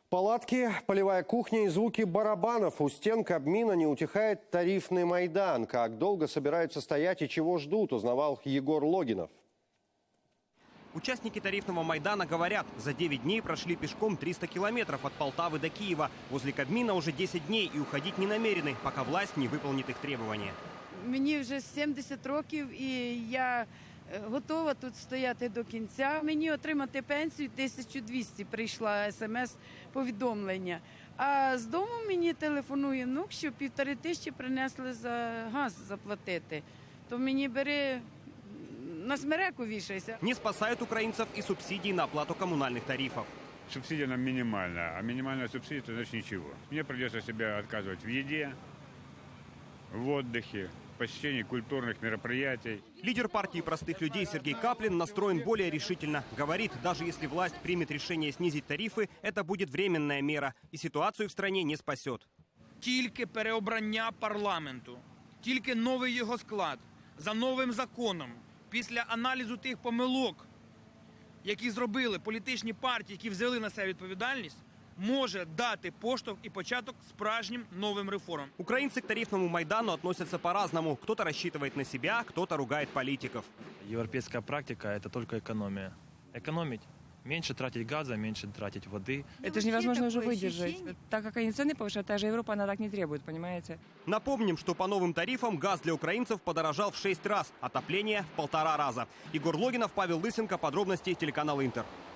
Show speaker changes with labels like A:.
A: Палатки, полевая кухня и звуки барабанов. У стен Кабмина не утихает тарифный Майдан. Как долго собираются стоять и чего ждут, узнавал Егор Логинов.
B: Участники тарифного Майдана говорят, за 9 дней прошли пешком 300 километров от Полтавы до Киева. Возле Кабмина уже 10 дней и уходить не намерены, пока власть не выполнит их требования.
C: Мені вже 70 років і я готова тут стояти до кінця. Мені отримати пенсію 1200 прийшла смс-повідомлення. А з дому мені телефонує внук, що 1500 принесли за газ заплатити. То мені бери на смереку вішайся.
B: Не спасают украинцев и субсидии на оплату коммунальных тарифов.
D: Субсидия нам минимальная, а минимальная субсидия – это значит ничего. Мне придется себя отказывать в еде, в отдыхе, посещении культурных мероприятий.
B: Лидер партии простых людей Сергей Каплин настроен более решительно. Говорит, даже если власть примет решение снизить тарифы, это будет временная мера и ситуацию в стране не спасет.
E: Тільки переобрання парламенту, тільки новий його склад, за новим законом, після аналізу тих помилок, які зробили політичні партії, які взяли на себе відповідальність, може дати поштовх и початок справжнім новым реформам.
B: Украинцы к тарифному Майдану относятся по-разному. Кто-то рассчитывает на себя, кто-то ругает политиков.
F: Европейская практика – это только экономия. Экономить. Меньше тратить газа, меньше тратить воды.
G: Это же невозможно уже выдержать. Так как они цены повышают, та же Европа, она так не требует, понимаете?
B: Напомним, что по новым тарифам газ для украинцев подорожал в 6 раз, отопление в 1,5 раза. Егор Логинов, Павел Лысенко, подробности телеканал Интер.